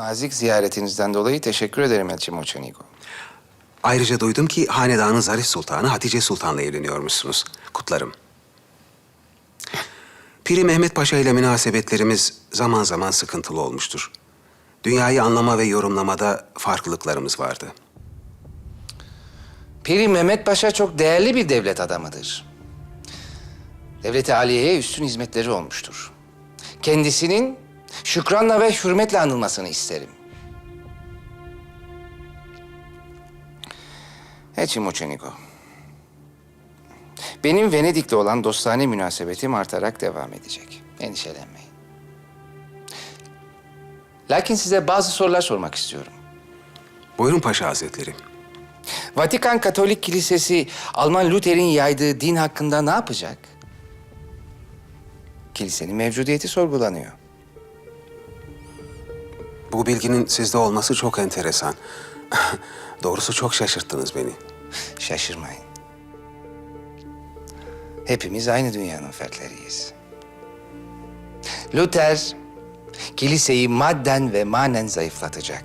nazik ziyaretinizden dolayı teşekkür ederim Elçi Moçenigo. Ayrıca duydum ki hanedanın Zarif Sultanı Hatice Sultan'la evleniyormuşsunuz. Kutlarım. Piri Mehmet Paşa ile münasebetlerimiz zaman zaman sıkıntılı olmuştur. Dünyayı anlama ve yorumlamada farklılıklarımız vardı. Piri Mehmet Paşa çok değerli bir devlet adamıdır. Devlet-i Aliye'ye üstün hizmetleri olmuştur. Kendisinin şükranla ve hürmetle anılmasını isterim. Elçi Moçenigo, benim Venedik'le olan dostane münasebetim artarak devam edecek. Endişelenmeyin. Lakin size bazı sorular sormak istiyorum. Buyurun Paşa Hazretleri. Vatikan Katolik Kilisesi Alman Luther'in yaydığı din hakkında ne yapacak? Kilisenin mevcudiyeti sorgulanıyor. Bu bilginin sizde olması çok enteresan. Doğrusu çok şaşırttınız beni. Şaşırmayın. Hepimiz aynı dünyanın fertleriyiz. Luther, kiliseyi madden ve manen zayıflatacak.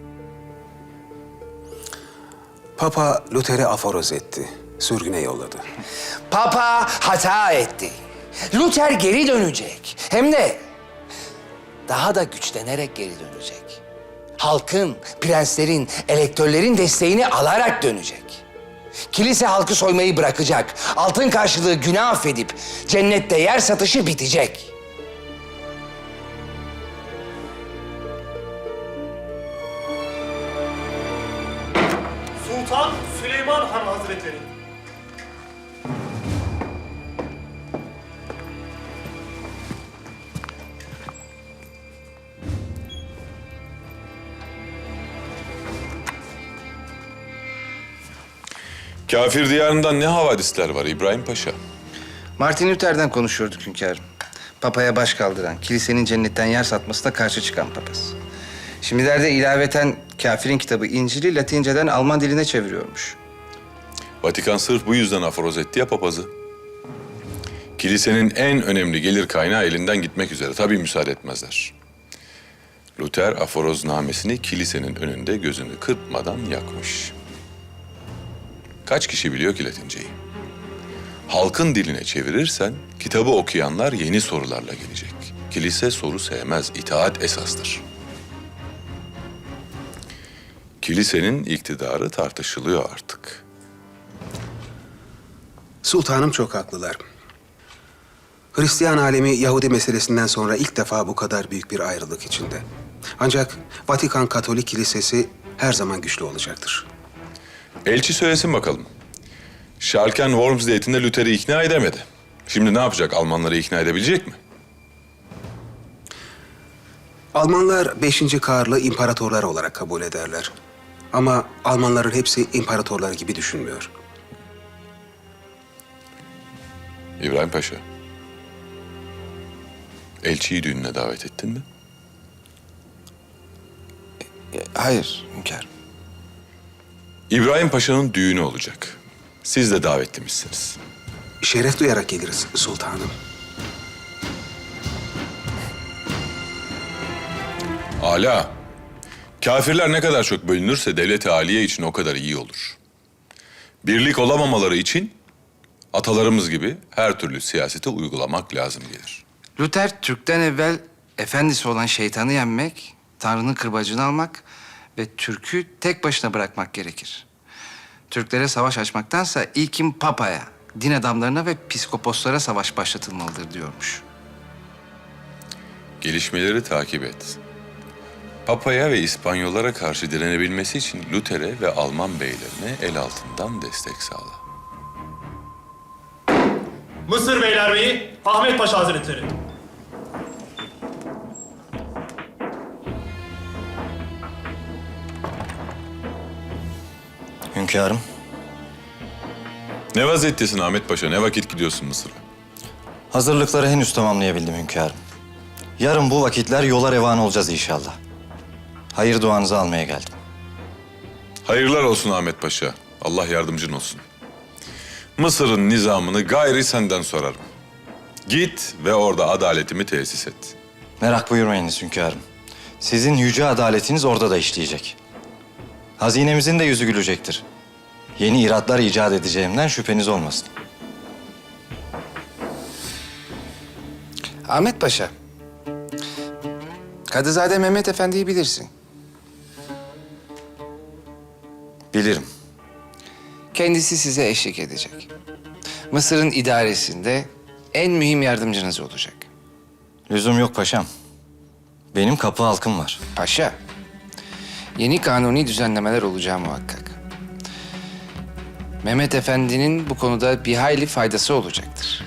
Papa Luther'i aforoz etti. Sürgüne yolladı. Papa hata etti. Luther geri dönecek. Hem de daha da güçlenerek geri dönecek. Halkın, prenslerin, elektörlerin desteğini alarak dönecek. Kilise halkı soymayı bırakacak. Altın karşılığı günah affedip cennette yer satışı bitecek. Sultan Süleyman Han Hazretleri. Kafir diyarından ne havadisler var İbrahim Paşa? Martin Luther'den konuşuyorduk hünkârım. Papaya baş kaldıran, kilisenin cennetten yer satmasına karşı çıkan papaz. Şimdilerde ilaveten kafirin kitabı İncil'i Latinceden Alman diline çeviriyormuş. Vatikan sırf bu yüzden aforoz etti ya papazı. Kilisenin en önemli gelir kaynağı elinden gitmek üzere. Tabii müsaade etmezler. Luther aforoznamesini kilisenin önünde gözünü kırpmadan yakmış. Kaç kişi biliyor ki Latinceyi? Halkın diline çevirirsen kitabı okuyanlar yeni sorularla gelecek. Kilise soru sevmez, itaat esastır. Kilisenin iktidarı tartışılıyor artık. Sultanım çok haklılar. Hristiyan alemi Yahudi meselesinden sonra ilk defa bu kadar büyük bir ayrılık içinde. Ancak Vatikan Katolik Kilisesi her zaman güçlü olacaktır. Elçi söylesin bakalım. Schalken Worms diyetinde Luther'i ikna edemedi. Şimdi ne yapacak? Almanları ikna edebilecek mi? Almanlar 5. Karl'ı imparatorlar olarak kabul ederler. Ama Almanların hepsi imparatorlar gibi düşünmüyor. İbrahim Paşa. Elçiyi düğününe davet ettin mi? Hayır hünkârım. İbrahim Paşa'nın düğünü olacak. Siz de davetlimişsiniz. Şeref duyarak geliriz sultanım. Âlâ. Kafirler ne kadar çok bölünürse devlet-i âliye için o kadar iyi olur. Birlik olamamaları için atalarımız gibi her türlü siyaseti uygulamak lazım gelir. Luther, Türk'ten evvel efendisi olan şeytanı yenmek, Tanrı'nın kırbacını almak ve Türk'ü tek başına bırakmak gerekir. Türklere savaş açmaktansa ilkin Papa'ya, din adamlarına ve piskoposlara savaş başlatılmalıdır diyormuş. Gelişmeleri takip et. Papa'ya ve İspanyollara karşı direnebilmesi için Luther'e ve Alman beylerine el altından destek sağla. Mısır Beylerbeyi Ahmet Paşa Hazretleri. Hünkârım, Ne vaziyettesin Ahmet Paşa? Ne vakit gidiyorsun Mısır'a? hazırlıkları henüz tamamlayabildim hünkârım. Yarın bu vakitler yola revan olacağız inşallah. Hayır duanızı almaya geldim. Hayırlar olsun Ahmet Paşa. Allah yardımcın olsun. Mısır'ın nizamını gayri senden sorarım. Git ve orada adaletimi tesis et. Merak buyurmayınız hünkârım. Sizin yüce adaletiniz orada da işleyecek. Hazinemizin de yüzü gülecektir. Yeni iratlar icat edeceğimden şüpheniz olmasın. Ahmet Paşa, Kadızade Mehmet Efendi'yi bilirsin. Bilirim. Kendisi size eşlik edecek. Mısır'ın idaresinde en mühim yardımcınız olacak. Lüzum yok paşam. Benim kapı halkım var. Paşa, yeni kanuni düzenlemeler olacağı muhakkak. Mehmet Efendi'nin bu konuda bir hayli faydası olacaktır.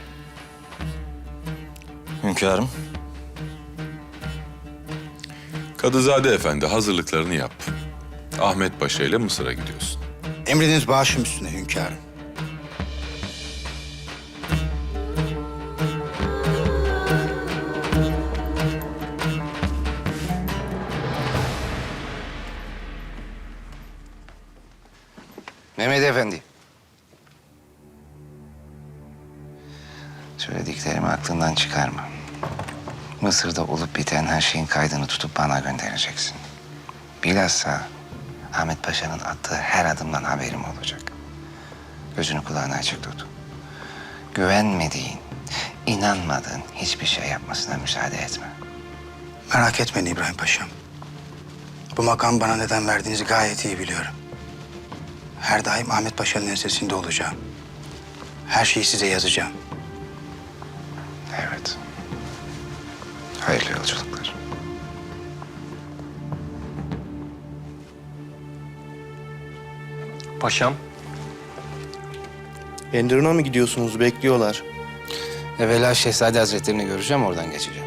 Hünkârım, Kadızade Efendi hazırlıklarını yap. Ahmet Paşa ile Mısır'a gidiyorsun. Emriniz başım üstüne hünkârım. Mehmet Efendi. Söylediklerimi aklından çıkarma. Mısır'da olup biten her şeyin kaydını tutup bana göndereceksin. Bilhassa Ahmet Paşa'nın attığı her adımdan haberim olacak. Gözünü kulağını açık tut. Güvenmediğin, inanmadığın hiçbir şey yapmasına müsaade etme. Merak etmeyin İbrahim Paşam. Bu makam bana neden verdiğinizi gayet iyi biliyorum. Her daim Ahmet Paşa'nın ensesinde olacağım. Her şeyi size yazacağım. Evet. Hayırlı yolculuklar. Paşam. Enderun'a mı gidiyorsunuz? Bekliyorlar. Evvela Şehzade Hazretlerini göreceğim, oradan geçeceğim.